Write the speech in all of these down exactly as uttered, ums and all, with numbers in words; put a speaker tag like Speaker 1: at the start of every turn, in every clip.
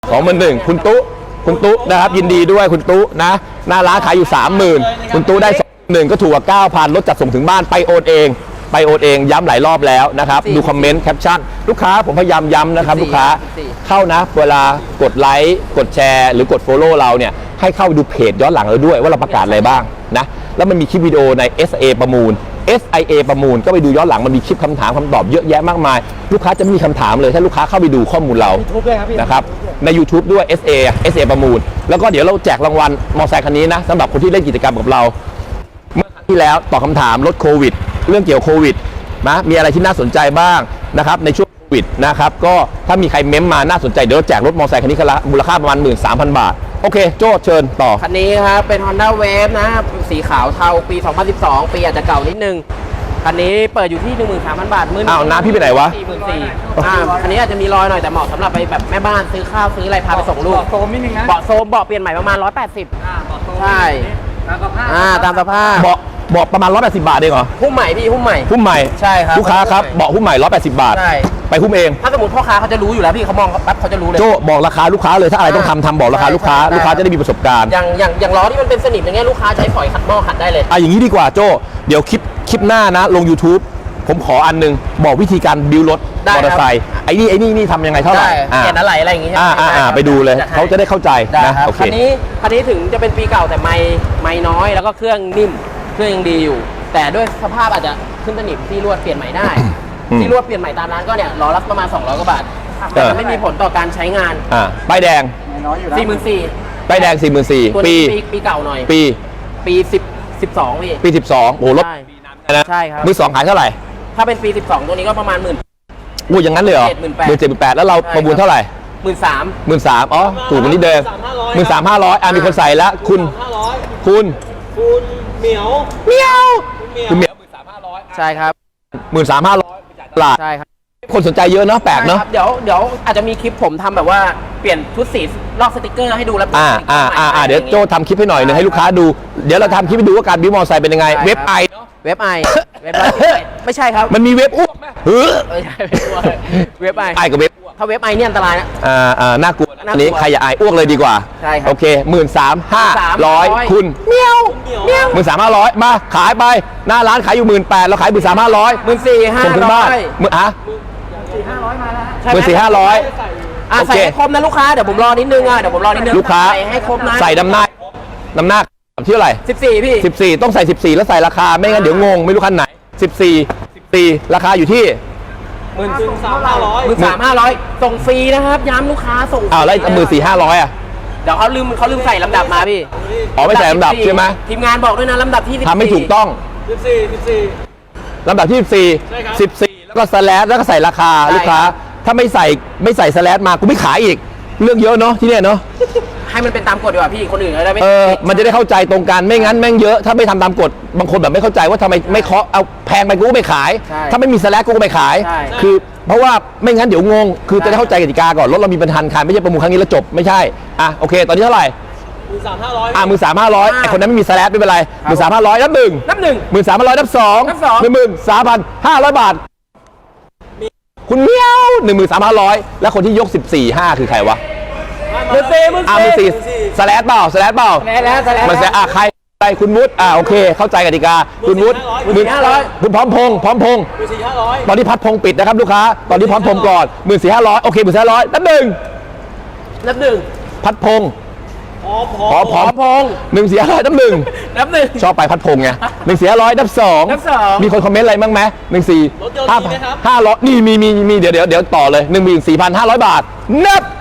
Speaker 1: สองหมื่นหนึ่งคุณตุ๊คุณตุ๊นะครับยินดีด้วยคุณตุ๊นะหน้าร้านขายอยู่สามหมื่นคุณตุ๊ได้สองหนึ่งก็ถูกกว่าเก้าพันลดจัดส่งถึงบ้านไปโอนเองไปโอนเองย้ำหลายรอบแล้วนะครับดูคอมเมนต์แคปชั่นลูกค้าผมพยายามย้ำนะครับลูกค้าเข้านะเวลากดไลค์กดแชร์หรือกด Follow เราเนี่ยให้เข้าดูเพจย้อนหลังเราด้วยว่าเราประกาศอะไรบ้างนะแล้วมันมีคลิปวิดีโอใน เอส เอ ประมูล เอส ไอ เอ ประมูลก็ไปดูย้อนหลังมันมีคลิปคำถามคำตอบเยอะแยะมากมายลูกค้าจะไม่มีคำถามเลยถ้าลูกค้าเข้าไปดูข้อมูลเรานะครับใน YouTube ด้วย เอส เอ เอส เอ ประมูลแล้วก็เดี๋ยวเราแจกรางวัลมอเตอร์ไซค์คันนี้นะสำหรับคนที่เล่นกิจกรรมกับเราเมื่อครั้งที่แล้วตอบคาถามลดโควิดเรื่องเกี่ยวโควิดนะมีอะไรที่น่าสนใจบ้างนะครับในช่วงโควิดนะครับก็ถ้ามีใครเม้มมาน่าสนใจเดี๋ยวเราแจกรถมอเตอร์ไซค์คันนี้คันละมูลค่าประมาณ หนึ่งหมื่นสามพัน บาทโอเคโจ้เชิญต่อ
Speaker 2: คันนี้ครับเป็น Honda Wave นะสีขาวเทาปี สองพันสิบสอง ปีอาจจะเก่านิดนึงคันนี้เปิดอยู่ที่ หนึ่งหมื่นสามพัน บาทมื้อ
Speaker 1: อ้าวน้าพี่ไปไหนวะ
Speaker 2: สี่หมื่นสี่พัน อ่าคันนี้อาจจะมีรอยหน่อยแต่เหมาะสำหรับไปแบบแม่บ้านซื้อข้าวซื้ออะไรพาไปส่งลูก
Speaker 3: เบาะโซมนิดนึงนะ
Speaker 2: เบาะโซมเบาะเปลี่ยนใหม่ประมาณหนึ่งร้อยแปดสิบ
Speaker 3: อ่าเบาะโซม
Speaker 2: ใช่
Speaker 3: ตามสภาพ
Speaker 2: อ่าตามสภาพ
Speaker 1: เบาะเบาะประมาณหนึ่งร้อยแปดสิบบาทเองเหรอ
Speaker 2: หุ้มใหม่พี่หุ้มใหม่
Speaker 1: หุ้มใหม่
Speaker 2: ใช่ครับ
Speaker 1: ลูกค้าครับเบาะหุ้มใหม่หนึ่งร้อยแปดสิบบาท
Speaker 2: ใช่
Speaker 1: ไปหุ้มเอง
Speaker 2: ถ้าสมมติพ่อค้าเขาจะรู้อยู่แล้วพี่เขามองแป๊บเขาจะรู้เลย
Speaker 1: โจ้บอกราคาลูกค้าเลยถ้าอะไรต้องทำทำบอกราคาลูกค้าลูกค้าจะได้มีประสบการณ์
Speaker 2: อย่างอย่างอย่างล้อที่มันเป็นสนิมอย่างเงี้ยลูกค้าใช้ฝอยขัดหม้อขัดได้เลย
Speaker 1: อ่ะอย่างนี้ดีกว่าโจ้เดี๋ยวคลิปคลิปหน้านะลง YouTube ผมขออันนึงบอกวิธีการบิวรถมอเตอร์ไซค์ไอ้นี่ไอ้นี่นี่ทำยังไงเท่าไหร่
Speaker 2: เปลี่ยนอะไรอะไรอย่างงี้ใช่ไหม
Speaker 1: อ่าอ่าอ่าไปดูเลยเขาจะได้เข้าใจนะโอเค
Speaker 2: คันนี้คันนี้ถึงจะเป็นปีเก่าแต่ไม่ไม่น้อยแล้วก็เครื่องนิ่มเครื่องยังดีอยู่ แต่ด้วยสภาพอาจจะขึ้นสนิมที่ลวดเปลี่ยนใหม่ได้ที่ลวดเปลี่ยนใหม่ตามร้านก็เนี่ยล้อละประมาณสองร้อยกว่าบาทแต่มันไม่มีผลต่อการใช้งาน
Speaker 1: อ่าป้ายแดง
Speaker 3: น้อยอยู่แล้ว
Speaker 2: สี่หมื่นสี่
Speaker 1: ป้ายแดง สี่หมื่นสี่พัน
Speaker 2: ปี
Speaker 1: ปี
Speaker 2: ปีเก่าหน่อย
Speaker 1: ปี
Speaker 2: ปีสิบ สิบสองพี่
Speaker 1: ปีสิบสองโอ้รถ
Speaker 2: ใช่
Speaker 1: นะ
Speaker 2: ใช่ครับ
Speaker 1: มือสองขายเท่าไหร่
Speaker 2: ถ้าเป็นปีสิบสองตัวนี้ก็ประมาณหมื่น
Speaker 1: อู้อย่างนั้นเลยเหรอ
Speaker 2: หมื่น
Speaker 1: ห
Speaker 2: แปด
Speaker 1: มื่นเจ็ดหมื่นแปดแล้วเราประมูลเท่าไหร่
Speaker 2: หมื่นสาม
Speaker 1: หมื่นสามอ๋อถูกกว่านี้เดิมหมื่นสามห้าร้อยอ่ะมีคนใส่แล้วคุณ
Speaker 3: ห้าร้อย
Speaker 1: คุณ
Speaker 3: คุณเหมียว
Speaker 1: เมียว
Speaker 3: คุณเหมียว
Speaker 1: คุณเหมียว
Speaker 2: ใช่ครับ
Speaker 1: หมื่นสามห้าร้อยตลาด
Speaker 2: ใช่ครับ
Speaker 1: คนสนใจเยอะเนาะแปลกเนาะ
Speaker 2: ใช่ครับเดี๋ยวเดี๋ยวอาจจะมีคลิปผมทำแบบว่าเปลี่ยนชุดสีลอกสติกเกอร์ให้ดูแล้ว
Speaker 1: อ่าอ่าอ่าอ่าเดี๋ยวโจทำคลิปให้หน่อยหนึงให้ลูกค้าดูเดี๋ยวเราทำคลิปให้ดูว่าการบิวมอเตอร์ไซค์เป็นยังไงเว็บไอ
Speaker 2: เว็บไอเว็บไอไม่ใช่ครับ
Speaker 1: มันมีเว็บอ้วกไหมเฮ้อ
Speaker 2: ไม่ใช่เว็บไอ
Speaker 1: ไอกับเว็บ
Speaker 2: ถ้าเว็บไอเนี่ยอันตรายนะ
Speaker 1: อ่าอ่าน่ากลัวนะ
Speaker 2: น่ากลัว
Speaker 1: อันนี้ใครอย่าอายอ้วกเลยดีกว่า
Speaker 2: ใช่ครับ
Speaker 1: โอเคหมื่นสามห้าร้อยคุณเมียวหมื่นสามห้าร้อยมาขายไปหน้าร้านขายอยู่หมื่นแปดเราขายหมื่นสามห้าร้อย
Speaker 2: หมื่นสี่ห้า
Speaker 1: ส่งถึง
Speaker 2: ร้
Speaker 1: บ้า
Speaker 2: อน ย
Speaker 1: หมื่นอ่ะ
Speaker 3: สี่ห้าร้อยมาแล้วฮะ
Speaker 1: หมื่นสี่ห้าร้อย
Speaker 2: อ่ะ
Speaker 1: โอเค
Speaker 2: ใส่ให้ครบนะลูกค้าเดี๋ยวผมรอนิดนึงอ่ะเดี๋ยวผมรอนิดนึง
Speaker 1: ลูกค้า
Speaker 2: ใส่ให้ครบนะ
Speaker 1: ใส่น้ำหน้าน้ำหน้าที่เท่าไหร่
Speaker 2: สิบสี่พี่
Speaker 1: สิบสี่ต้องใส่สิบสี่แล้วใส่ราคาไม่งั้นเดี๋ยวงงไม่รู้คันไหนสิบสี่ สิบสี่ราคาอยู่ที่
Speaker 3: หมื่นถึงสามห้าร้อย
Speaker 2: หมื่นสามห้าร้อยส่งฟรีนะครับย้ำลูกค้าส่งฟรี
Speaker 1: อ้าวแล้วหมื่นสี่ห้าร้อยอ่ะ
Speaker 2: เดี๋ยวเขาลืมเขาลืมใส่ลำดับมาพี่
Speaker 1: อ๋อไม่ใส่ลำดับใช่ไหม
Speaker 2: ทีมงานบอกด้วยนะลำดับที่สิบสี่
Speaker 1: ทำไม่ถูกต้อง
Speaker 3: สิบสี่สิบสี่
Speaker 1: ลำดับที่สิบสี่
Speaker 3: ใช่ครับ
Speaker 1: สิบสี่แล้วก็สแลชแล้วก็ใส่ราคาลูกค้าถ้าไม่ใส่ไม่ใส่สแลชมากูไม่ขายอีกเรื่องเยอะเนาะที่เนี่ยเนาะ
Speaker 2: ให้มันเป็นตามกฎดีกว่าพี่คนอื่นเขาได้ไม่
Speaker 1: เออมันจะได้เข้าใจตรงกันไม่งั้นแม่งเยอะถ้าไม่ทำตามกฎบางคนแบบไม่เข้าใจว่าทำไมไม่เคาะเอาแพงไปกูก็ไม่ขาย ถ้าไม่มีสแลชกูก็ไม่ขาย คือเพราะว่าไม่งั้นเดี๋ยวงงคือจะได้เข้าใจกติกาก่อนรถเรามีปัญหาขายไม่ใช่ประมูลครั้งนี้แล้วจบไม่ใช่อ่ะโอเค ตอนนี้เท่าไหร่
Speaker 3: หมื่นสามห้าร้อย
Speaker 1: อ่ะมือสามห้าร้อยไอคนนั้นไม่มีสแลชไม่เป็นไรมือสามห้าร้อยนับหนึ่ง
Speaker 2: นับหนึ่ง
Speaker 1: หมื่นสามพันร้อยนับสอง
Speaker 2: นับสอง
Speaker 1: หนึ่งหมื่นสามพันห้าร้อยบาท คุณเมียวหนึ่งหมื่นสามพันห้าร้อยแล้วคนที่ยกสิบสี่ห้าคือใครวะ
Speaker 2: หมื่นสี่หมื่น
Speaker 1: อ่ามือสี่สแลชเปล่าสแลชเปล่า
Speaker 2: แล้วแล้วแล้ว
Speaker 1: มันแสอ่ะใครใครคุณวุฒิอ่าโอเค เข้าใจกติกาคุณวุฒิ
Speaker 2: หมื่นสี่ห้าร้อย
Speaker 1: คุณพร้อมพงษ์พร้อมพงษ์
Speaker 3: หมื่นสี่ห้าร้อย
Speaker 1: ตอนนี้พัดพงษ์ปิดนะครับลูกค้าตอนนี้พร้อมพงษ์ก่อนหมื่นสี่ห้าร้อยโอเคหมื่นสี่ห้าร้อยนับหนึ่ง
Speaker 2: นับหนึ่ง
Speaker 1: พัดพงษ์
Speaker 3: พร้อมพ
Speaker 1: พร้อมพร้อม
Speaker 2: พงษ์
Speaker 1: หนึ่งสี่ห้าร้อยนับหนึ่ง
Speaker 2: นับหนึ่ง
Speaker 1: ชอบไปพัดพงษ์ไงหนึ่งสี่ห้าร้อยนับสอง
Speaker 2: นับสอง
Speaker 1: มีคนคอมเมนต์อะไรบ้างไหมหนึ่งสี่
Speaker 3: รถยนต์
Speaker 1: ห้า
Speaker 3: มีไหมครับ
Speaker 1: ห้าร้อยนี่มีมีมีเดี๋ยวเดี๋ยวเดี๋ยวต่อเลยหนึ่งหมื่นสี่พันห้าร้อยบาทนับ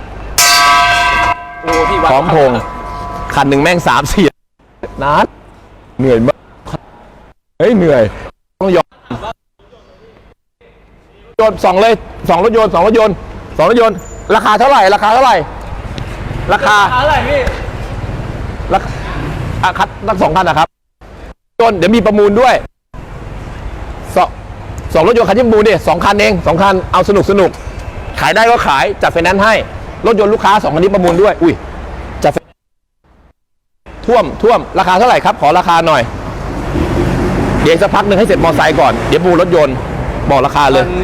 Speaker 2: โอ้พี่วัด
Speaker 1: พร้อมพงษ์คันหนึ่งแม่งสามสี่นัดเหนื่อยมากเฮ้ยเหนื่อยต้องยอมโยนสองเลยสองรถยนต์สองรถยนต์สองรถยนต์ราคาเท่าไหร่ราคาเท่าไหร่ราคา
Speaker 3: อะไรพี่
Speaker 1: ราคาอ่ะคัดตั้งสองคันนะครับยนต์เดี๋ยวมีประมูลด้วยสองสองรถยนต์คันที่ประมูลเนี่ยสองคันเองสองคันเอาสนุกสนุกขายได้ก็ขายจัดไฟแนนซ์ให้รถยนต์ลูกค้าสองคันนี้ประมูลด้วยอุ้ยจัดไฟท่วมท่วมราคาเท่าไหร่ครับขอราคาหน่อยเดี๋ยวสักพักหนึ่งให้เสร็จมอเตอร์ไซค์ก่อนเดี๋ยวประมูลรถยนต์บอกราคาเลย
Speaker 2: ม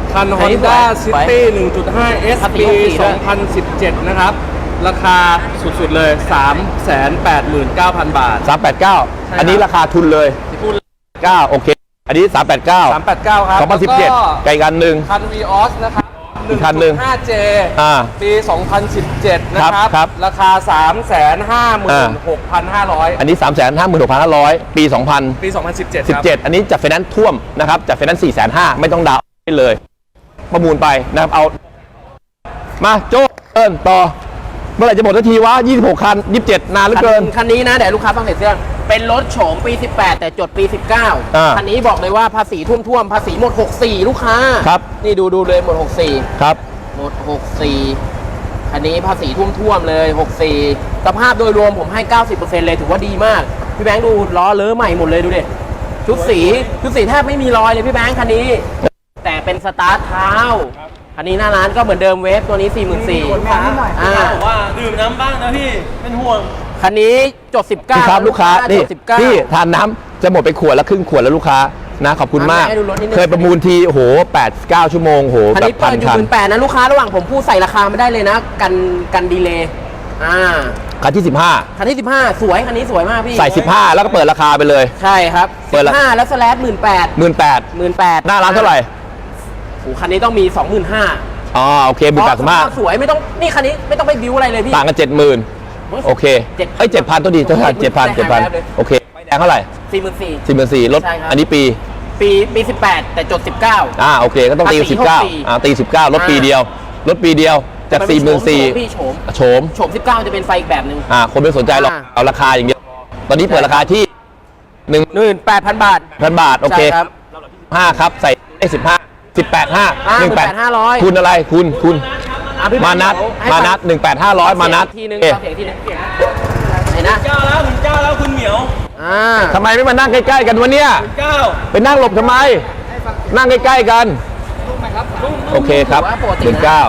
Speaker 3: คัน
Speaker 2: อันนี้
Speaker 3: Honda
Speaker 2: สวย
Speaker 3: City หนึ่งจุดห้า เอส
Speaker 2: ภาษี
Speaker 3: ปี
Speaker 2: หกสี่
Speaker 3: สองพันสิบเจ็ด นะครับ ราคาสุดๆเลย สามแสนแปดหมื่นเก้าพัน บาท
Speaker 1: สามแปดเก้า
Speaker 3: ใช่ครับ
Speaker 1: อันนี้ราคาทุนเลย
Speaker 3: พูด
Speaker 1: เก้าโอเค อันนี้สามแปดเก้า
Speaker 3: สามแปดเก้าครับ
Speaker 1: สองพันสิบเจ็ด
Speaker 3: แล้ว
Speaker 1: ไกลกันหนึ่ง
Speaker 3: คัน Vios นะครับ
Speaker 1: อีกคันหนึ่ง
Speaker 3: ห้าเจ
Speaker 1: อ่า
Speaker 3: ปี สองพันสิบเจ็ด นะครับ
Speaker 1: ครับ
Speaker 3: ราคา สามแสนห้าหมื่นหกพันห้าร้อย
Speaker 1: อันนี้ สามแสนห้าหมื่นหกพันห้าร้อย ปี สองพัน
Speaker 3: ปี สองพันสิบเจ็ด
Speaker 1: สิบ
Speaker 3: ครับ
Speaker 1: เจ็ด อันนี้จัดไฟแนนซ์ท่วมนะครับจัดไฟแนนซ์สี่แสนห้าไม่ต้องดาวน์ได้เลย ประมูลไปนะครับเอา มาโจ้เอินต่อ เมื่อไหร่จะหมดสักทีวะยี่สิบหกคันยี่สิบเจ็ดนานเหลือเกิน
Speaker 2: คันนี้นะเดี๋ยวลูกค้าฟังเสร็จเรื่องเป็นรถโฉมปี สิบแปด แต่จดปี สิบเก้า
Speaker 1: อ่า
Speaker 2: คันนี้บอกเลยว่าภาษีท่วมๆภาษีหมด หกสี่ ลูกค้า
Speaker 1: ครับ
Speaker 2: นี่ดูดูเลยหมด หกสี่
Speaker 1: ครับ
Speaker 2: หมด หกสี่ คันนี้ภาษีท่วมๆเลย หกสี่ สภาพโดยรวมผมให้ เก้าสิบเปอร์เซ็นต์ เลยถือว่าดีมาก พี่แบงค์ดูล้อเลอะใหม่หมดเลยดูดิชุดสีชุดสีแทบไม่มีรอยเลยพี่แบงค์คันนี้ แต่เป็นสตาร์ทเท้าคันนี้หน้าร้านก็เหมือนเดิมเวฟตัวนี้ สี่หมื่นสี่พัน อ่า
Speaker 3: บอกว่าดื่มน้ำบ้างนะพี่ เป็นห่วง
Speaker 2: คันนี้จด สิบเก้า
Speaker 1: พี่ครับลูกค้า นี่
Speaker 2: จดสิบเก้า
Speaker 1: พี่ทานน้ำจะหมดไปขวดละครึ่งขวดแล้วลูกค้านะขอบคุณมาก
Speaker 2: ให้ดูรถนิดนึง
Speaker 1: เคยประมูลทีโอ้โหแปด เก้าชั่วโมงโอ้โห
Speaker 2: คัน
Speaker 1: แบ
Speaker 2: นี้
Speaker 1: บ
Speaker 2: เปิ
Speaker 1: พัน
Speaker 2: ดอยู่
Speaker 1: คั
Speaker 2: ห
Speaker 1: น
Speaker 2: มื่นแปดนะลูกค้าระหว่างผมพูดใส่ราคาไม่ได้เลยนะ กันกันดีเลย์อ่า
Speaker 1: คันที่สิบห้า
Speaker 2: คันที่สิบห้าสวยคันนี้สวยมากพี่
Speaker 1: ใส่สิบห้าแล้วก็เปิดราคาไปเลย
Speaker 2: ใช่ครับ
Speaker 1: เปิดละ
Speaker 2: สิบห้าแล้วสแลดหมื่นแปด
Speaker 1: หมื่นแปด
Speaker 2: หมื่นแปด
Speaker 1: หน้าร้านเท่าไหร่
Speaker 2: โอ้คันนี้ต้องมีสองหมื่นห้า
Speaker 1: อ๋อโอเคหมื่นแปดสิบห้า
Speaker 2: สวยไม่ต้องนี่คันนี้ไม่ต้องไปบิวอะไรเลยพี่
Speaker 1: ต่างกันเจ็ดหมื่นโอเค
Speaker 2: เจ็ด
Speaker 1: เอ้ยเจ็ดพันตัวดีเท่าไหร่เจ็ดพันเจ็ดพันโอเคไฟแดงเท่าไหร่
Speaker 2: สี่หมื่นสี่
Speaker 1: สี่หมื่นสี่ลด
Speaker 2: ใช่ครับ
Speaker 1: อันนี้ปี
Speaker 2: ปีปีสิบแปดแต่จดสิบเก้า
Speaker 1: อ่าโอเคก็ต้องตี
Speaker 2: ภาษี
Speaker 1: สิบเก้า
Speaker 2: หกสี่
Speaker 1: อ่าตีสิบเก้าลดปีเดียวลดปีเดียวจากสี่หมื่นสี่
Speaker 2: พี่โฉม
Speaker 1: โฉม
Speaker 2: โฉมสิบเก้าจะเป็นไฟอีกแบบหนึ่ง
Speaker 1: อ่าคนไม่สนใจหรอก
Speaker 2: อ่า
Speaker 1: เอาราคาอย่างเดียวตอนนี้เปิดราคาที่หนึ่ง
Speaker 2: หมื่นแปดพันบาท
Speaker 1: พันบาทโอเค
Speaker 2: ใช่ครับ
Speaker 1: ห้าครับใส่ได้สิบห้าสิบแปดห้า
Speaker 2: อ่า
Speaker 1: หนึ่งแปด
Speaker 2: หนึ่งแปดห้าร้อย
Speaker 1: คุณอะไรคุณคุณ
Speaker 2: อ่ะพี่
Speaker 1: มานัด
Speaker 2: ให้
Speaker 1: มานัดหนึ่งแปดห้าร้อยมานัด
Speaker 2: เสียงทีนึง
Speaker 1: เอ๊ะ
Speaker 2: เสียงทีนึงไหนนะ
Speaker 3: เจ้าแล้วถึงเจ้าแล้วคุณเหมียว
Speaker 2: อ่า
Speaker 1: ทำไมไม่มานั่งใกล้ๆกันวะเนี่ย
Speaker 3: เจ้า
Speaker 1: ไปนั่งหลบทำไม นั่งใกล้ๆกัน โอเคครับ
Speaker 2: ถือว่าปกตินะ
Speaker 1: หนึ่งเก้า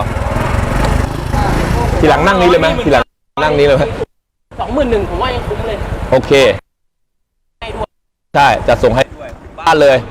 Speaker 1: ทีหลังนั่งนี้เลยไหมทีหลังนั่งนี้เลยไหม
Speaker 2: สองหมื่นหนึ่งผมว่ายังคุ้มเลย
Speaker 1: โอเค
Speaker 2: ให้ด้วย
Speaker 1: ใช่จะส่งให้บ้านเลย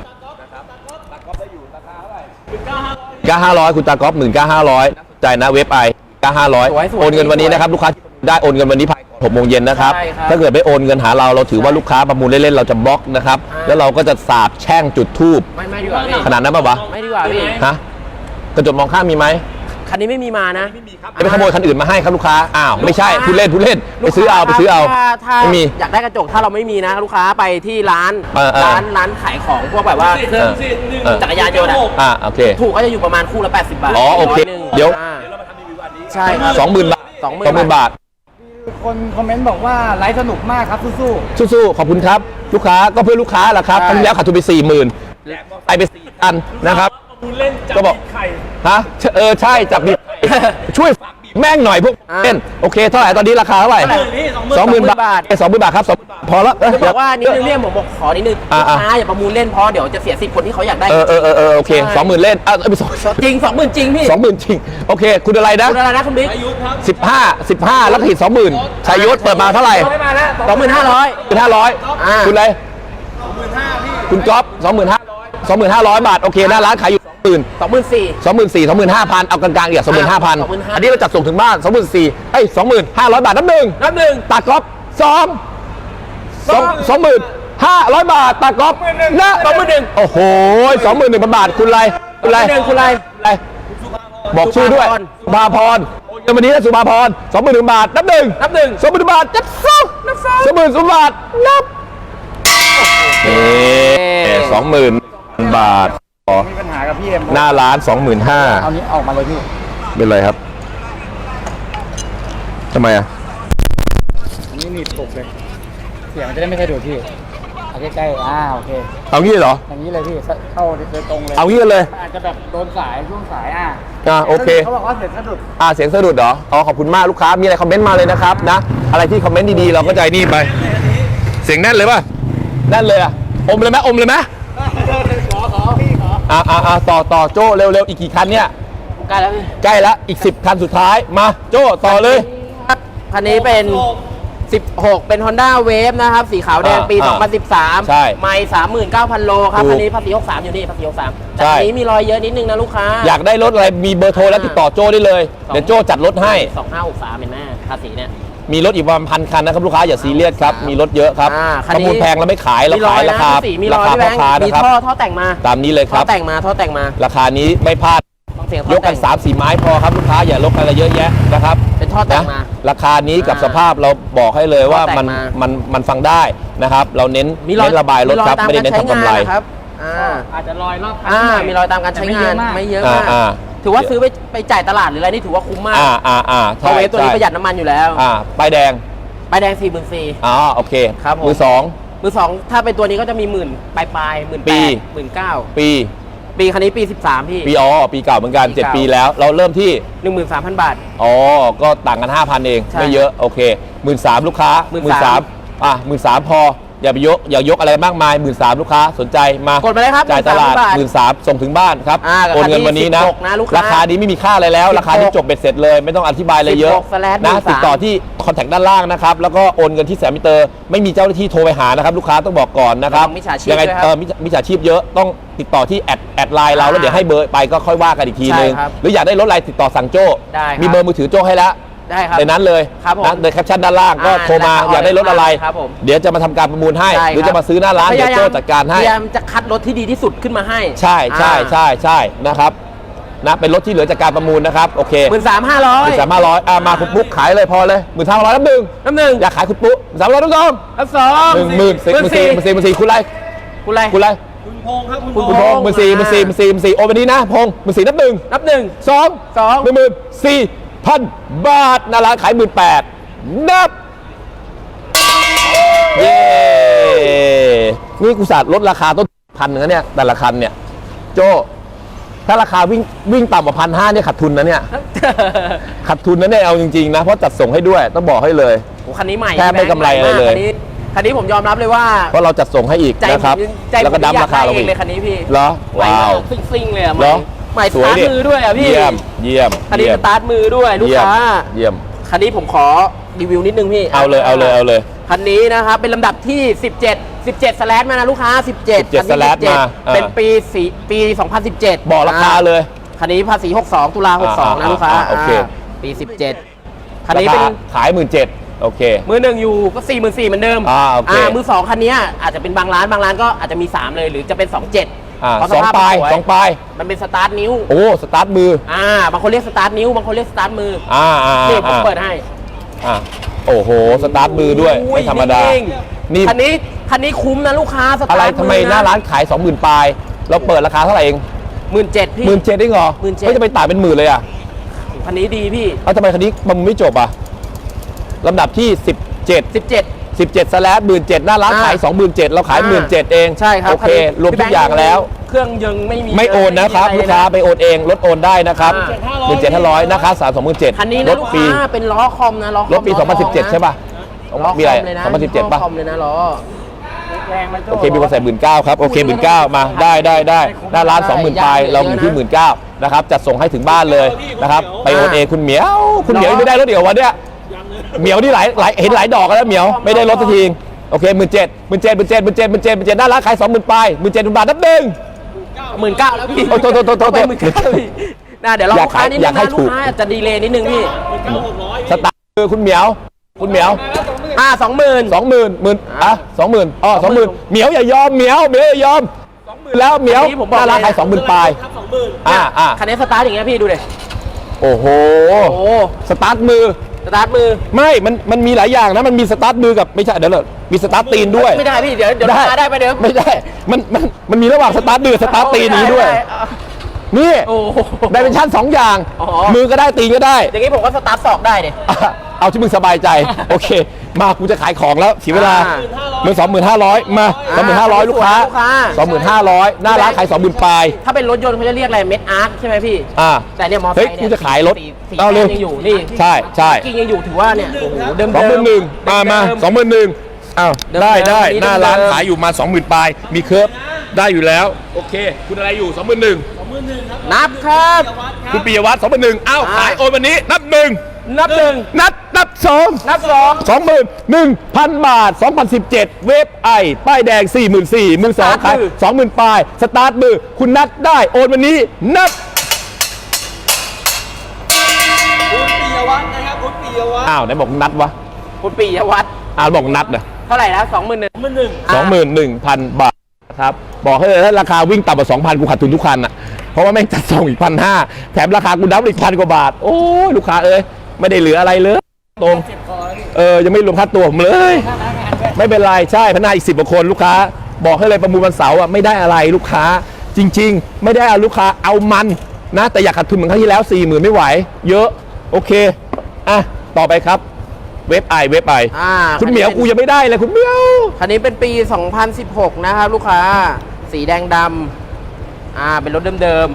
Speaker 1: ก้าห้าร้อยคุณตากอล์ฟหมื่นก้าห้าร้อยใจายนะเว็บไอก้าห้าร้อย
Speaker 2: สวยๆ
Speaker 1: โอนเงินวันนี้นะครับลูกค้าได้โอนเงินวันนี้ภายหกโมงเย็นนะครับ
Speaker 2: ใช่ครับ
Speaker 1: ถ้าเกิดไม่โอนเงินหาเราเราถือว่าลูกค้าประมูลเล่นๆเราจะบล็อกนะครับ
Speaker 2: อ่า
Speaker 1: แล้วเราก็จะสาบแช่งจุดทูบ
Speaker 2: ไม่ไม่ดีกว่าพี่
Speaker 1: ขนาดนั้นป่าวะ
Speaker 2: ไม่ดีกว่าพี่
Speaker 1: ฮะกระจกมองข้ามมีไหม
Speaker 2: คันนี้ไม่มีมานะ
Speaker 1: จะไปขโมยคันอื่นมาให้ครับลูกค้าอ้าวไม่ใช่พูดเล่นพูดเล่นไปซื้อเอาไปซื้อเอา
Speaker 2: ถ้ถ้า
Speaker 1: ไม่มี
Speaker 2: อยากได้กระจกถ้าเราไม่มีนะลูกค้าไปที่ร้าน
Speaker 1: เออเออ
Speaker 2: ร้านร้านขายของพวกแบบว่าเครื่อง
Speaker 1: เออ
Speaker 2: จักรยานยนต์อะ
Speaker 1: อ่าโอเค
Speaker 2: ถูกก็จะอยู่ประมาณคู่ละแปดสิบบาท
Speaker 1: อ๋อโอเค
Speaker 2: ร้ยหนึ่ง
Speaker 1: เดี๋ยว
Speaker 2: อ่าใช่ครับ
Speaker 1: สองหมื่นบาท
Speaker 2: สองหมื่น
Speaker 1: สองหมื่นบาท
Speaker 4: คนคอมเมนต์บอกว่าไลฟ์สนุกมากครับสู้
Speaker 1: สู้ๆขอบคุณครับ ลูกค้าก็เพื่อลูกค้าแหละครับ
Speaker 2: ใช่
Speaker 1: ครั้งที่แล้วขาดทุนไปสี่หมื่นไปไปสี่พันนะครับ
Speaker 3: คุณเล่นจับ
Speaker 1: ก็บอก
Speaker 3: ไข่
Speaker 1: ฮะเออใช่จับบีบ ช่วยแม่งหน่อยพวก
Speaker 2: อ่า
Speaker 1: เล่นโอเคเท่าไหร่ตอนนี้ราคาเท่าไหร่
Speaker 3: หมื่นพี่สองหมื่น
Speaker 1: สองหมื่นบาทสองหมื่นบาทครับสองพอแล้วเออ
Speaker 2: จะบอกว่านิดนึง
Speaker 1: เดี๋
Speaker 2: เรี
Speaker 1: ย
Speaker 2: ยกผมบอกขอนิดนึง
Speaker 1: อ่า
Speaker 2: ลูกค้าอย่าประมูลเล่นเพราะเดี๋ยวจะเสียสิทธิ์คนที่เขาอยากได้
Speaker 1: เออเออเออเออโอเค
Speaker 2: ใช่
Speaker 1: สองหมื่นเล่นอ่ะเอ้ยสอง
Speaker 2: จริงสองหมื่นจริงพี่
Speaker 1: สองหมื่นจริงโอเค คุณอะไรนะ
Speaker 2: คุณอะไรนะคุณบิ๊ก
Speaker 3: อายุครับ
Speaker 1: สิบห้าสิบห้าแล้วก็หิดสองหมื่นชายยศเปิดมาเท่าไหร่
Speaker 3: ไม่มาแล้ว
Speaker 2: สองหมื่นห้าร้อย
Speaker 1: คุณห้าร้อย
Speaker 2: อ่า
Speaker 1: คุณอะไรคุณก๊อฟสองหมื่นห้าสองหมื่นห้าร้อยบาทโอเคหน้าร้านขายอยู่สองหมื่น
Speaker 2: สองหมื่นสี่
Speaker 1: สองหมื่นสี่สองหมื่นห้าพันเอากลางๆอีกสองหมื่นห้าพัน
Speaker 2: สองหมื่นห้า
Speaker 1: อันนี้เราจัดส่งถึงบ้านสองหมื่นสี่เอ้ยสองหมื่นห้าร้อยบาทนับหนึ่ง
Speaker 2: นับหนึ่ง
Speaker 1: ตากอล์ฟสองสองสองหมื่นห้าร้อยบาทตากอล์ฟนะ
Speaker 2: สองหมื่นหนึ่ง
Speaker 1: โอ้โหสองหมื่นหนึ่งพันบาทคุณอะไรคุณอะไร
Speaker 2: สองหมื่นหนึ่งคุณอะไร
Speaker 1: อะไรบอกชื่อด้วย
Speaker 2: สุ
Speaker 1: สุภาพรเงินวันนี้นะสุภาพรสองหมื่นหนึ่งบาทนับหนึ่ง
Speaker 2: นับหนึ่ง
Speaker 1: สองหมื่นบาทจับสองนับสองสองหมื่นสองบาทนับเอ๊สองหมื่นบาทอ๋อ
Speaker 4: ๆมีปัญหากับพี่เอ็ม
Speaker 1: หน้าร้านสองหมื่นห้า
Speaker 4: เอานี้ออกมาเลยพี่
Speaker 1: เป็นไรครับทำไมอ่ะ
Speaker 4: อันนี้หนีบปลุกเลย เสียงมันจะได้ไม่สะดุดพี่เอาใกล้ๆอ่าโอเค
Speaker 1: เอางี้เหรอ
Speaker 4: อย่างนี้เลยพี่เข้าโดยตรงเลย
Speaker 1: เอางี้กันเลย
Speaker 4: อาจจะแบบโดนสายช่วงสายอ่ะ
Speaker 1: อ่าโอเค
Speaker 4: เขาบอกว่าเสียงสะดุด
Speaker 1: อ่าเสียงสะดุดเหรออ๋อขอบคุณมากลูกค้ามีอะไรคอมเมนต์มาเลยนะครับนะอะไรที่คอมเมนต์ดีๆเราก็ใจนี่ไป เสียงแน่นเลยป่ะแน่นเลยอ่ะอมเลยไหมอมเลยไหม
Speaker 4: ขอขอพี่ขอ
Speaker 1: อ่าอ่าอ่าต่อต่อโจ้เร็วๆอีกกี่คันเนี่ย
Speaker 2: ใกล้แล้วพี่
Speaker 1: ใกล้แล้วอีกสิบคันสุดท้ายมาโจ้ต่อเลย
Speaker 2: คันนี้เป็นสิบหก เป็น Honda Wave นะครับ สีขาวแดง
Speaker 1: อ่า
Speaker 2: ปี
Speaker 1: อ่า
Speaker 2: สองพันสิบสาม
Speaker 1: ใช่
Speaker 2: ไม่ สามหมื่นเก้าพัน โลครับ
Speaker 1: ถูก
Speaker 2: คันนี้ภาษีหกสามอยู่นี่ภาษีหกสามแต่
Speaker 1: ใช่
Speaker 2: อันนี้มีรอยเยอะนิดนึงนะลูกค้า
Speaker 1: อยากได้รถอะไรมีเบอร์โทรแล้วติดต่อโจ้ได้เลย เดี๋ยวโจ้จัดรถให้
Speaker 2: สองห้าหกสามเห็นไหมภาษีเนี่ย
Speaker 1: มีรถอีกประมาณพันคันนะครับลูกค้าอย่าซีเรียสครับ มีรถเยอะครับ
Speaker 2: อ่าคัน
Speaker 1: ประ
Speaker 2: นี้
Speaker 1: มูลแพงแล้วไม่ขายเรา
Speaker 2: มีรอ
Speaker 1: ขาย ยราคา
Speaker 2: นะสีมีร
Speaker 1: รา
Speaker 2: อย
Speaker 1: คา
Speaker 2: พี่แบ
Speaker 1: พ่อง ค้า
Speaker 2: ค์มี
Speaker 1: นะครับ
Speaker 2: ท่อท่อแต่งมา
Speaker 1: ตามนี้เลยค
Speaker 2: ท่อ
Speaker 1: รับ
Speaker 2: แต่งมาท่อแต่งมา
Speaker 1: ราคานี้ไม่พลาด
Speaker 2: ฟังเสียง
Speaker 1: ย
Speaker 2: ท่อก
Speaker 1: กั
Speaker 2: แต่
Speaker 1: น
Speaker 2: ง
Speaker 1: สามสี่ไม้พอครับลูกค้าอย่าลกอะไรเยอะแยะนะครับ
Speaker 2: เป็นท่อแต่ง
Speaker 1: นะ
Speaker 2: มา
Speaker 1: ราคานี้กับ
Speaker 2: อ่า
Speaker 1: สภาพเราบอกให้เลยว่า
Speaker 2: ท่อแต่ง
Speaker 1: มัน
Speaker 2: มา
Speaker 1: มันมันฟังได้นะครับ เราเน้น
Speaker 2: มีรอย
Speaker 1: เน้นระบายรถครับ
Speaker 2: ตาม
Speaker 1: ไม่ได้เน้น
Speaker 2: การ
Speaker 1: ทำกำไร
Speaker 2: ใช้งานนะครับอ่า
Speaker 3: อาจจะลอยรอบคัน
Speaker 2: อ่า
Speaker 3: หน่อย
Speaker 2: มีรอยตามการใช้งาน
Speaker 3: แต่
Speaker 2: ไม่เยอะ
Speaker 1: อ่าม
Speaker 2: าก
Speaker 1: อ่า
Speaker 2: ถือว่าซื้อไปไปจ่ายตลาดหรืออะไรนี่ถือว่าคุ้มมาก
Speaker 1: อ่าอ่าอ่า
Speaker 2: เพราะเวฟตัวนี้ประหยัดน้ำมันอยู่แล้ว
Speaker 1: อ่าป้ายแดง
Speaker 2: ป้ายแดงสี่หมื่นสี่
Speaker 1: อ๋อโอเค
Speaker 2: ครับผม
Speaker 1: มือสอง
Speaker 2: มือสองถ้าเป็นตัวนี้ก็จะมีหมื่นปลายปลายหมื่น
Speaker 1: ปี
Speaker 2: แปดหมื่นเก้า
Speaker 1: ปี
Speaker 2: ปีคันนี้ปีสิบสามพี่
Speaker 1: ปีอ๋อปีเก่าเหมือนกัน
Speaker 2: ปี
Speaker 1: เจ็ด
Speaker 2: เก่า
Speaker 1: ปีแล้ว เราเริ่มที่
Speaker 2: หนึ่งหมื่นสามพันบาท
Speaker 1: อ๋อก็ต่างกันห้าพันเอง
Speaker 2: ใช่
Speaker 1: ไม่เยอะโอเคหมื่นสามลูกค้า
Speaker 2: หมื่นสาม
Speaker 1: อ่ะหมื่นสามพออย่าไปยกอย่ายกอะไรมากมายหมื่นสามลูกค้าสนใจมาก
Speaker 2: ดมาเลยครับ
Speaker 1: จ่ายตลาด
Speaker 2: บาท
Speaker 1: หมื่นสามส่งถึงบ้านครับ
Speaker 2: อ่ากับ
Speaker 1: โอนเงินวันนี้นะ
Speaker 2: สิบหกนะลูกค้า
Speaker 1: ราคานี้ไม่มีค่าอะไรแล้ว ราคานี้จบเบ็ดเสร็จเลย ไม่ต้องอธิบายอะไรเยอะ
Speaker 2: สิบหก slash
Speaker 1: นะ
Speaker 2: หนึ่งสาม
Speaker 1: ติดต่อที่คอนแทคด้านล่างนะครับแล้วก็โอนเงินที่แสนมิเตอร์ไม่มีเจ้าหน้าที่โทรไปหานะครับลูกค้าต้องบอกก่อนนะครับ
Speaker 2: ระวังมิจฉาชีพ
Speaker 1: ยังไง
Speaker 2: ด้วยครับ
Speaker 1: เออมิจมิจฉาชีพเยอะต้องติดต่อที่แอดแอดไลน์เราแล้วเดี๋ยวให้เบอร์ไปก็ค่อยว่ากันอีกทีนึง
Speaker 2: ใช่ครับ
Speaker 1: หรืออยากได้รถอะไรติดต่อสั่งโจ้
Speaker 2: ได้ครับ
Speaker 1: มีเบอร์มือถือโจ้ให้แล้ว
Speaker 2: ได้ครับ
Speaker 1: ในนั้นเลย
Speaker 2: ครับผม
Speaker 1: นะในแคปชั่นด้านล่างก็
Speaker 2: อ่า
Speaker 1: โทรมา
Speaker 2: ได้ครับ
Speaker 1: อยากได้รถอะไร
Speaker 2: ครับผม
Speaker 1: เดี๋ยวจะมาทำการประมูลให้
Speaker 2: ใช่
Speaker 1: หรือ
Speaker 2: ครับ
Speaker 1: จะมาซื้อหน้าร้าน
Speaker 2: พ
Speaker 1: เดี๋ยว
Speaker 2: ยายาม
Speaker 1: โจ้จัดการให้
Speaker 2: พยายามจะคัดรถที่ดีที่สุดขึ้นมาให้
Speaker 1: ใช่ใช่ใช่ใช่นะครับนะเป็นรถที่เหลือจากการประมูลนะครับโอเค
Speaker 2: หมื่นสามห้าร้อย
Speaker 1: หนึ่งสามห้าร้อยอ่ามาคุณปุ๊กขายเลยพอเลยหมื่นห้าร้อยน้ำหนึ่ง
Speaker 2: น้ำหนึ่ง
Speaker 1: อยากขายคุณปุ๊กสามร้อยน้ำสอง
Speaker 2: น้ำสอง
Speaker 1: หนึ่งหมื่นสี่หมื่นสี่หมื่นสี่หมื่นสี่คุณไร
Speaker 2: คุณอะไร
Speaker 1: คุณไร
Speaker 3: คุณพงษ์ครับคุณ
Speaker 1: คุณพงษ์หมื่นสี่หมื่นสี่หมื่นสี่หมื่นสี่โอนวันนี้นะพงษ์หมื่นสี่นับหนึ่ง
Speaker 2: นับหนึ่ง
Speaker 1: สอง
Speaker 2: สอง
Speaker 1: หนึ่งหมื่นสี่พันบาทหนาร้านขายหมื่นแปดนับ เย้นี่กูสัตว์ลดราคาต้นพันหนึ่งนะเนี่ยแต่ละคันเนี่ยโจถ้าราคาวิ่งวิ่งต่ำกว่าพันห้าเนี่ยขาดทุนนะเนี่ยขาดทุนนะเนี่ยเอาจริงๆนะเพราะจัดส่งให้ด้วยต้องบอกให้เลย
Speaker 2: โอ้คันนี้ใหม่
Speaker 1: แทบไม่กำไรอะไรเลย
Speaker 2: คันนี้คันนี้ผมยอมรับเลยว่า
Speaker 1: เพราะเราจัดส่งให้อีก
Speaker 2: ใจ
Speaker 1: นะครับ
Speaker 2: ผมใจ
Speaker 1: แล้ว
Speaker 2: ผ
Speaker 1: ก็
Speaker 2: ม
Speaker 1: ดั้ม
Speaker 2: อยา
Speaker 1: ราก คา
Speaker 2: ได้
Speaker 1: เรา
Speaker 2: เอง
Speaker 1: อีก
Speaker 2: เลยคันนี้พี่
Speaker 1: เหรอ
Speaker 2: ใหม่
Speaker 1: ว้าว
Speaker 2: ซิ่งๆเลยอะให
Speaker 1: เหร
Speaker 2: ม่
Speaker 1: อ
Speaker 2: ใหม่ส
Speaker 1: สวย
Speaker 2: ตาร์ท
Speaker 1: ดิ
Speaker 2: มือด้วยอะพี่
Speaker 1: เยี่ยมเยี่ยม
Speaker 2: คันนี้
Speaker 1: เยี่ย
Speaker 2: ส
Speaker 1: ม
Speaker 2: ตาร์ทมือด้วยลูก
Speaker 1: เยี่ยม
Speaker 2: ค้า
Speaker 1: เยี่ยม
Speaker 2: คันนี้ผมขอรีวิวนิดนึงพี่
Speaker 1: เอาเลยเอาเลยเอาเลย
Speaker 2: คันนี้นะครับเป็นลำดับที่สิบเจ็ด สิบเจ็ดสแลชมานะลูกค้าสิบเจ็ด
Speaker 1: สิบเจ็ด
Speaker 2: คันนี้
Speaker 1: slash
Speaker 2: สิบเจ็ด
Speaker 1: มาอ่า
Speaker 2: เป็นปีสี่ปีสองพันสิบเจ็ด
Speaker 1: บอกราคาเลย
Speaker 2: คันนี้ภาษีหกสองตุลาหกสอง
Speaker 1: อ่า
Speaker 2: นะลูกค้า
Speaker 1: อ่าโอเค
Speaker 2: าปีสิบเจ็ดคันนี้เป็น
Speaker 1: ราคาขายหมื่นเจ็ดโอเค
Speaker 2: มือหนึ่งอยู่ก็สี่หมื่นสี่เหมือนเดิม
Speaker 1: อ่าโอเค
Speaker 2: มือสองคันนี้อาจจะเป็นบางร้านบางร้านก็อาจจะมีสามเลยหรือจะเป็นสองเจ็ด
Speaker 1: อ่า
Speaker 2: เพราะ
Speaker 1: สอง
Speaker 2: ภพ
Speaker 1: ปลาย
Speaker 2: มันสวย
Speaker 1: สองปลาย
Speaker 2: มันเป็นสตาร์ทนิ้ว
Speaker 1: โอ้สตาร์ทมือ
Speaker 2: อ่าบางคนเรียกสตาร์ทนิ้วบางคนเรียกสตาร์ทมือ
Speaker 1: อ่าอ่า
Speaker 2: นี่ผม
Speaker 1: อ่า
Speaker 2: เปิดให้
Speaker 1: อ่าโอ้โหสตาร์ทมือด้วย
Speaker 2: อุ้
Speaker 1: ไม่ธรรมดา
Speaker 2: จง
Speaker 1: นี่
Speaker 2: คันนี้คันนี้คุ้มนะลูกค้าส
Speaker 1: อะไร
Speaker 2: ตาร์ท
Speaker 1: ทำ
Speaker 2: มื
Speaker 1: ไม
Speaker 2: อ
Speaker 1: หน้าร้านขาย สองหมื่น ปลาย เราเปิดราคาเท่าไหร่เอง
Speaker 2: หมื่นเจ็ดพี่
Speaker 1: หมื่นเจ็ดได้เหรอ
Speaker 2: หมื่นเจ็ด
Speaker 1: ไม่จะไปต่ายเป็นหมื่นเลยอ่ะ
Speaker 2: คันนี้ดีพี่
Speaker 1: เอ้าทำไมคันนี้มันไม่จบอ่ะลำดับที่ สิบเจ็ด
Speaker 2: สิบเจ็ด
Speaker 1: สิบเจ็ดสแลชหมื่นเจ็ดหน้าร้าน
Speaker 2: อ่า
Speaker 1: ขาย สองหมื่นเจ็ดเราขายหมื่นเจ็ดเอง
Speaker 2: ใช่ครับ
Speaker 1: โอเค
Speaker 2: นนี้
Speaker 1: รวมทุกอย่างแล้ว
Speaker 2: เครื่องยังไม่มี
Speaker 1: ไม่โอนนะครับ
Speaker 2: ไม่มี
Speaker 1: ลูกค้า
Speaker 2: อะ
Speaker 1: ไปโอนเองรถโอนได้นะครับ
Speaker 2: อ่า
Speaker 1: หมื่นเจ็ดห้าร้อยนะครับสามสองหมื่นเจ็ด
Speaker 2: คันนี้
Speaker 1: ร
Speaker 2: นะ
Speaker 1: ถ
Speaker 2: ลูก
Speaker 1: ปี
Speaker 2: ค้าเป็นล้อคอมนะล้อคอม
Speaker 1: รถปี
Speaker 2: ล้
Speaker 1: สองพันสิบเจ็ด
Speaker 2: ท
Speaker 1: ใช่ป่ะ
Speaker 2: ล้อค
Speaker 1: มีอะไร
Speaker 2: อมเลยนะ
Speaker 1: สองพันสิบเจ็ดป่ะ
Speaker 2: ล้อคอมเลยนะล้อแรงไหมโจ้
Speaker 1: โอเคมีคนใส่หมื่นเก้าครับโอเคหมื่นเก้ามาได้ได้ได้หน้าร้านสองหมื่นปลายเราอยู่ที่หมื่นเก้านะครับจัดส่งให้ถึงบ้านเลยนะครับไปโอนเองคุณเหมียวคุณเหมียวไม่ได้รถเดี๋ยววันเนี้ยเหมียวนี่หลายหลายเห็นหลายดอกแล้วเหมียวไม่ได้รถสักทีโอเคหมื่นเจ็ดหมื่นเจ็ดหมื่นเจ็ดหมื่นเจ็ดหมื่นเจ็ดหมื่นเจ็ดหน้าร้านขายสองหมื่นปลายหมื่นเจ็ดบาทนับหนึ่ง
Speaker 2: หมื่นเก้าแล้วพี่
Speaker 1: โอ้โทษโทษโทษโทษ
Speaker 2: ไปหมื่นเก้าพี่นะเดี๋ยวเรา
Speaker 1: อยา
Speaker 2: ลู
Speaker 1: ก
Speaker 2: กค้านิดนึ
Speaker 1: อยาก
Speaker 2: ง
Speaker 1: ให้
Speaker 2: นะ
Speaker 1: ถู
Speaker 2: ลู
Speaker 1: ก
Speaker 2: กค้าจะดีเลย์นิดนึงพี่
Speaker 1: สตาร์ทคือคุณเหมียวคุณเหมียว
Speaker 2: อ่าสองหมื่น
Speaker 1: สองหมื่นหมื่นอ่ะสองหมื่นอ๋อสองหมื่นเหมียวอย่ายอมเหมียวเหมียวอย่ายอมสองหมื่นแล้วเหมียว
Speaker 2: อันนี้ผมบอก
Speaker 1: หน้าร้าน
Speaker 2: เลย
Speaker 1: ขายสองหมื่นปลายอ่าอ่า
Speaker 2: คันนี้สตาร์ทอย่างเงี้ยพี่ดูดิ
Speaker 1: โอ้โห
Speaker 2: โอ้
Speaker 1: สตาร์ทมือ
Speaker 2: สตาร์ทมือ
Speaker 1: ไม่ มัน มันมีหลายอย่างนะ มันมีสตาร์ทมือกับไม่ใช่ เดี๋ยวเลยมีสตาร์ทตีนด้วย
Speaker 2: ไม่ได้พี่เดี๋ยวเดี๋ยวลูกค้าได้ไปเดี๋ยว
Speaker 1: ไม่ได้ มัน มัน มันมีระหว่างสตาร์ทมือสตาร์ทตีนนี้ด้วย
Speaker 2: ไไอ่ะ
Speaker 1: นี่
Speaker 2: โอ้โห
Speaker 1: ได้เป็นชั้นสองอย่าง
Speaker 2: อ๋อ
Speaker 1: มือก็ได้ตีนก็ได้
Speaker 2: อย่างงี้ผมก็สตาร์ทศอกได้ดิ
Speaker 1: อ่ะเอาที่มึงสบายใจ โอเค มา กูจะขายของแล้วเสียเวลา
Speaker 2: อ่า
Speaker 1: มือสองหมื่นห้าร้อยมาสองหมื่นห้าร้อยลูกค้า
Speaker 2: ลูกค้า
Speaker 1: สองหมื่นห้าร้อยหน้าร้านขายสองหมื่นปลาย
Speaker 2: ถ้าเป็นรถยนต์เขาจะเรียกอะไรเม็ดอาร์คใช่ไหมพี่
Speaker 1: อ่า
Speaker 2: แต่เนี่ยมอเตอร์
Speaker 1: เฮ้ย
Speaker 2: ไซค์
Speaker 1: กู
Speaker 2: เนี่ย
Speaker 1: จะขายรถ
Speaker 2: สีสี
Speaker 1: เอา
Speaker 2: แด
Speaker 1: เร็ว
Speaker 2: งยังอยู่นี่
Speaker 1: ใช่ใช่
Speaker 2: กิ้งยังอยู่ถือว่าเนี่ยโอ้โหเดิม
Speaker 1: สองหมื่นหนึ่งมามาสองหมื่นหนึ่งอ้าว
Speaker 2: เดิม
Speaker 1: ได้
Speaker 2: เดิม
Speaker 1: ได้
Speaker 2: นี่
Speaker 1: หน้าร้าน
Speaker 2: เดิม
Speaker 1: ขายอยู่มาสองหมื่นปลายมีเคิร์ฟได้อยู่แล้ว โอเค คุณอะไรอยู่สองหมื่นหนึ่ง
Speaker 2: นับครับ
Speaker 1: คุณปิยวัฒน์สองหมื่นหนึ่งอ้าว
Speaker 2: อ่า
Speaker 1: ขายโอนวันนี้นับหนึ่ง
Speaker 2: นับหนึ่ง
Speaker 1: นัดนับสอง
Speaker 2: นับสอง
Speaker 1: สองหมื่นหนึ่งพันบาทสองพันสิบเจ็ดเวฟไอป้ายแดงสี่หมื่นสี่มือสองขายสองหมื่นปลายสตาร์ทมือคุณนัดได้โอนวันนี้นับ
Speaker 3: คุณปิยวัฒน์นะครับคุณปิยวัฒน์
Speaker 1: อ้าวไหนบอกนัดวะ
Speaker 2: คุณปิยวัฒน์
Speaker 1: อ้าวบอกนัดนะ
Speaker 2: เท่าไหร่นะสองหมื่นหนึ่ง
Speaker 3: มันหนึ่ง
Speaker 1: สองหมื่นหนึ่งพันบาทครับบอกให้เลยถ้าราคาวิ่งต่ำกว่าสองพันกูขาดทุนทุกคันอ่ะเพราะว่าแม่งจัดส่งอีกพันห้าแถมราคากูดับอีกพันกว่าบาทโอ้ยลูกค้าเอ้ยไม่ได้เหลืออะไรเลยตรงเออยังไม่รวมค่าตัวผมเลย ไม่เป็นไรใช่พนักงานอีกสิบกว่าคนลูกค้าบอกให้เลยประมูลวันเสาร์อ่ะไม่ได้อะไรลูกค้าจริง ๆ ไม่ได้เอาลูกค้าเอามันนะแต่อยากขาดทุนเหมือนครั้งที่แล้วสี่หมื่นไม่ไหวเยอะโอเคอ่ะต่อไปครับเว็บไอเว็บไอ
Speaker 2: อ่า
Speaker 1: คุณเหมียวกูยังไม่ได้เลยคุณเหมียว
Speaker 2: คันนี้เป็นปี สองพันสิบหก นะครับลูกค้าสีแดงดำอ่าเป็นรถเดิม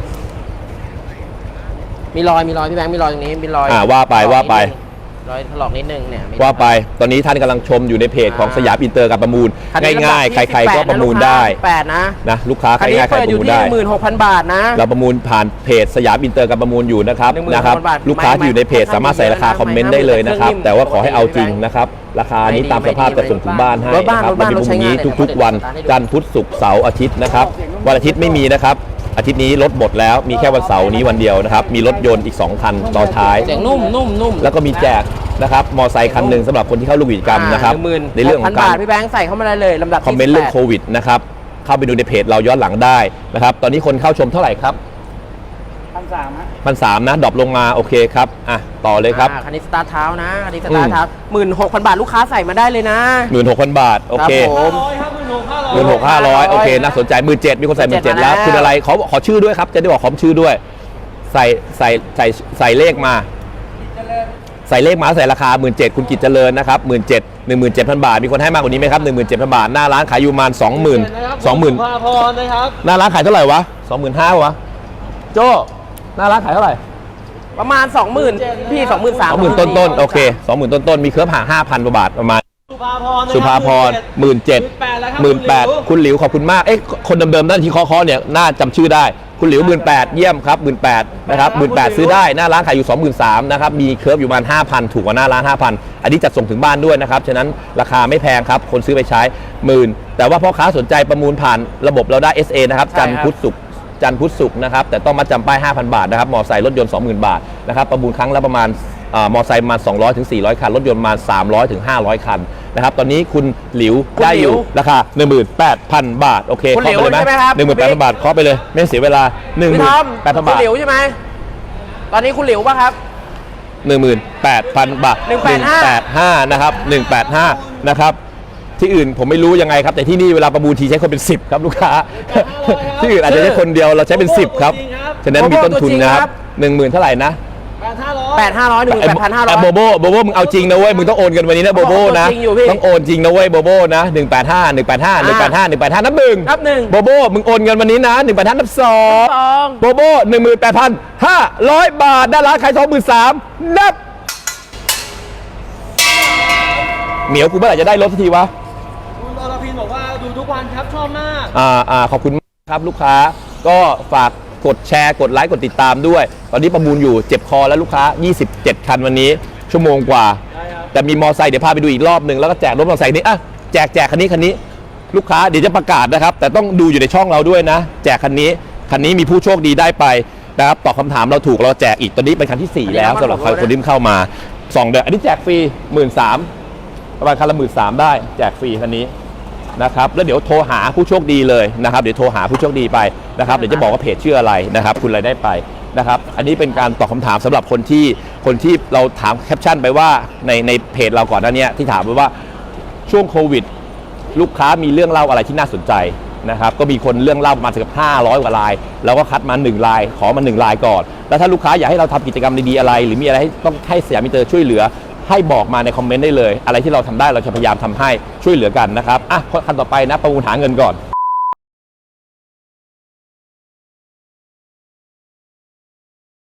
Speaker 2: ๆมีรอยมีรอยพี่แบงค์มีรอยตรงนี้มีรอย
Speaker 1: อ่าว่าไปว่าไป
Speaker 2: รอยถลอกนิดนึงเนี่ยมี
Speaker 1: ว่าไปตอนนี้ท่านกำลังชมอยู่ในเพจของสยามอินเตอร์การประมูล
Speaker 2: คันนี้
Speaker 1: ง่ายๆ ใครๆก็ประมูลได้
Speaker 2: แปดนะ
Speaker 1: นะลูกค้าใค
Speaker 2: คั
Speaker 1: ร
Speaker 2: นนี้
Speaker 1: ง่ายๆใคร
Speaker 2: เปิด
Speaker 1: ป
Speaker 2: อยู่
Speaker 1: ระมูล
Speaker 2: ที่
Speaker 1: ได้
Speaker 2: หนึ่งหมื่นหกพันบาทนะ
Speaker 1: เราประมูลผ่านเพจสยามอินเตอร์การประมูลอยู่นะครับ
Speaker 2: หนึ่งหมื่น
Speaker 1: นะครับ
Speaker 2: หกพันบาท
Speaker 1: ลูกค้าที่อยู่ในเพจ
Speaker 2: ไม่
Speaker 1: สามารถใส่ราคา
Speaker 2: ไม่
Speaker 1: คอมเมนต์ได้เลยนะครับ
Speaker 2: ไม่
Speaker 1: แต่ว่าขอให้เอาจริงนะครับราคานี้ตามสภาพจะส่งถึงบ้านให้
Speaker 2: รถบ้าน
Speaker 1: นะครับ
Speaker 2: รถบ้าน
Speaker 1: เรามี
Speaker 2: รถใช้
Speaker 1: พรุ่ง
Speaker 2: งาน
Speaker 1: นี้
Speaker 2: เลย
Speaker 1: ทุกๆ วัน
Speaker 2: เดี๋ยว
Speaker 1: จันทร์พุธศุกร์เสาร์อาทิตย์นะครับวันอาทิตย์ไม่มีนะครับอาทิตย์นี้รถหมดแล้วมีแค่วันเสาร์นี้วันเดียวนะครับมีรถยนต์อีกสองคันต่อท้าย
Speaker 2: เสียงนุ่มนุ่มนุ่ม
Speaker 1: แล้วก็มีแจกนะครับมอไซค์คันหนึ่งสำหรับคนที่เข้าร่วมกิจกรรมนะครับ
Speaker 2: หนึ่งหมื่น
Speaker 1: ในเรื่องของการ
Speaker 2: บาทพี่แบงค์ใส่เข้ามาได้เลยลำดับที่
Speaker 1: คอมเมนต์เรื่อง
Speaker 2: สิบ
Speaker 1: โค
Speaker 2: แปด
Speaker 1: วิดนะครับเข้าไปดูในเพจเราย้อนหลังได้นะครับตอนนี้คนเข้าชมเท่าไหร่ครับ
Speaker 4: พันสามฮะ
Speaker 1: พันสามนะดรอปลงมาโอเคครับอ่ะต่อเลยครับ
Speaker 2: อ่าคันนี้สตาร์ทเท้านะคันนี้สตาร์ทเท้าหมื่นหกพันบาทลูกค้าใส่มาได้เลยนะ
Speaker 1: หมื่นหกพันบาทโอเค
Speaker 2: ครับผม
Speaker 3: ร้อยครับหมื่นหกห้าร้อย
Speaker 1: หมื่นหกห้าร้อยโอเคน่าสนใจหมื่นเจ็ดมีคนใส่หมื่นเจ็ด
Speaker 2: มา
Speaker 1: แล้ว
Speaker 2: แล้ว
Speaker 1: คุณอะไรขอขอชื่อด้วยครับจะได้บอกขอชื่อด้วย ใส่ใส่ใส่ใส่เลขมา ใส่เลขมาใส่ราคาหมื่นเจ็ดคุณกิจเจริญนะครับหมื่นเจ็ดหนึ่งหมื่นเจ็ดพันบาทมีคนให้มากกว่านี้ไหมครับหนึ่งหมื่นเจ็ดพันบาทหน้าร้านขายอยู่ประมาณสองหมื่นสองหมื่น
Speaker 3: สุภาพรนะครับ
Speaker 1: หน้าร้านขายเท่าไหร่วะสองหมื่นห้าวะโจ้หน้าร้านขายเท่าไหร่
Speaker 2: ประมาณ สองหมื่น พี่ สองหมื่นสาม
Speaker 1: สองหมื่นต้นต้นๆโอเคสองหมื่นต้นต้นๆมีเครือห่างห้าพันกว่าบาทประมาณ
Speaker 3: สุภาพรนะครับ
Speaker 1: สุภาพรหมื่นเจ็ดหมื่นแปดคุณหลิวขอบคุณมากเอ๊ะคนเดิมๆนั่นที่เคอๆเนี่ยน่าจำชื่อได้คุณหลิวหมื่นแปดเยี่ยมครับหมื่นแปดนะครับหมื่นแปดซื้อได้หน้าร้านขายอยู่สองหมื่นสามนะครับมีเครืออยู่ประมาณห้าพันถูกกว่าหน้าร้านห้าพันอันนี้จัดส่งถึงบ้านด้วยนะครับฉะนั้นราคาไม่แพงครับคนซื้อไปใช้หมื่นแต่ว่าพ่อค้าสนใจประมูลผ่านระบบเราได้ เอส เอ นะครับจันทร์พุธศุกร์จันทร์พุธศุกร์นะครับแต่ต้องมาจำป้าย ห้าพัน บาทนะครับมอไซค์รถยนต์ สองหมื่น บาทนะครับประมูลครั้งละประมาณอ่ามอไซค์ประมาณสองร้อยถึงสี่ร้อยคันรถยนต์ประมาณสามร้อยถึงห้าร้อยคันนะครับตอนนี้คุณหลิวได้อยู่ราคา หนึ่งหมื่นแปดพัน บาทโอเค
Speaker 2: คุณหลิว
Speaker 1: เคาะไปเลย
Speaker 2: ใช่ไหมครับ
Speaker 1: หนึ่งหมื่นแปดพันบาทเคาะไปเลยไม่เสียเวลาหนึ่งห
Speaker 2: พี่
Speaker 1: มื่
Speaker 2: ทอน ม
Speaker 1: แปดพัน
Speaker 2: คุ
Speaker 1: บา
Speaker 2: ณ
Speaker 1: ท
Speaker 2: หลิวใช่ไหม ตอนนี้คุณหลิวป่ะครับ
Speaker 1: หนึ่งหมื่นแปดพัน บาท
Speaker 2: หนึ่งแปดห้า
Speaker 1: แปดห้านะครับหนึ่งแปดห้านะครับที่อื่นผมไม่รู้ยังไงครับแต่ที่นี่เวลาประมูลทีใช้คนเป็นสิบครับลูกค้า ที่อื่นอาจจะใช้คนเดียวเราใช้เป็นสิบครับฉะนั้นมีต้นทุนนะครับหนึ่งหมื่นเท่าไหร่นะ
Speaker 3: แปดห้าร้อย
Speaker 2: แปดห้าร้อยหนึ่งแปดพันห้าร้อย
Speaker 1: โบโบโบโบมึงเอาจริงนะเว้ยมึงต้องโอนกันวันนี้นะโบโบนะ
Speaker 2: โอนจริงอยู่พี่
Speaker 1: ต้องโอนจริงนะเว้ยโบโบนะหนึ่งแปดห้า หนึ่งแปดห้า หนึ่งแปดห้า หนึ่งแปดห้านับหนึ่ง
Speaker 2: นับหนึ่ง
Speaker 1: โบโบมึงโอนเงินวันนี้นะหนึ่งแปดห้านับสอง
Speaker 2: สอง
Speaker 1: โบโบหนึ่งหมื่นแปดพันห้าร้อยบาทด้านร้านขายสองหมื่นสามนับเหมียวกูเมื่อไหร่จะได้รถสักทีวะ
Speaker 3: คุณอรพินบอกว่าดูทุกวันครับชอบมาก
Speaker 1: อ่าอ่าขอบคุณมากครับลูกค้าก็ฝากกดแชร์กดไลค์กดติดตามด้วย ตอนนี้ประมูลอยู่เจ็บคอแล้วลูกค้ายี่สิบเจ็ดคันวันนี้ชั่วโมงกว่า แต่มีมอไซค์เดี๋ยวพาไปดูอีกรอบหนึ่งแล้วก็แจกรถมอไซค์นี้อ่ะแจกแจกคันนี้คันนี้ลูกค้าเดี๋ยวจะประกาศนะครับแต่ต้องดูอยู่ในช่องเราด้วยนะ แจกคันนี้คันนี้มีผู้โชคดีได้ไปนะครับตอบคำถามเราถูกเราแจกอีกตอนนี้เป็นคันที่สี่แล้วสำหรับคนที่เข้ามาสองเดือนอันนี้แจกฟรีหมื่นสามประมาณคันละหมื่นสามได้แจกฟรีคันนี้นะครับแล้วเดี๋ยวโทรหาผู้โชคดีเลยนะครับเดี๋ยวโทรหาผู้โชคดีไปนะครับเดี๋ยวจะบอกว่าเพจชื่ออะไรนะครับคุณอะไรได้ไปนะครับอันนี้เป็นการตอบคำถามสำหรับคนที่คนที่เราถามแคปชั่นไปว่าในในเพจเราก่อนหน้านี้ที่ถามไปว่าช่วงโควิดลูกค้ามีเรื่องเล่าอะไรที่น่าสนใจนะครับก็มีคนเรื่องเล่าประมาณสักห้าร้อยกว่าลายเราก็คัดมาหนึ่งลายขอมาหนึ่งลายก่อนแล้วถ้าลูกค้าอยากให้เราทำกิจกรรมดีๆอะไรหรือมีอะไรให้ต้องให้สยามมิเตอร์ช่วยเหลือให้บอกมาในคอมเมนต์ได้เลยอะไรที่เราทำได้เราจะพยายามทำให้ช่วยเหลือกันนะครับอ่ะขั้นต่อไปนะประมูลหาเงินก่อน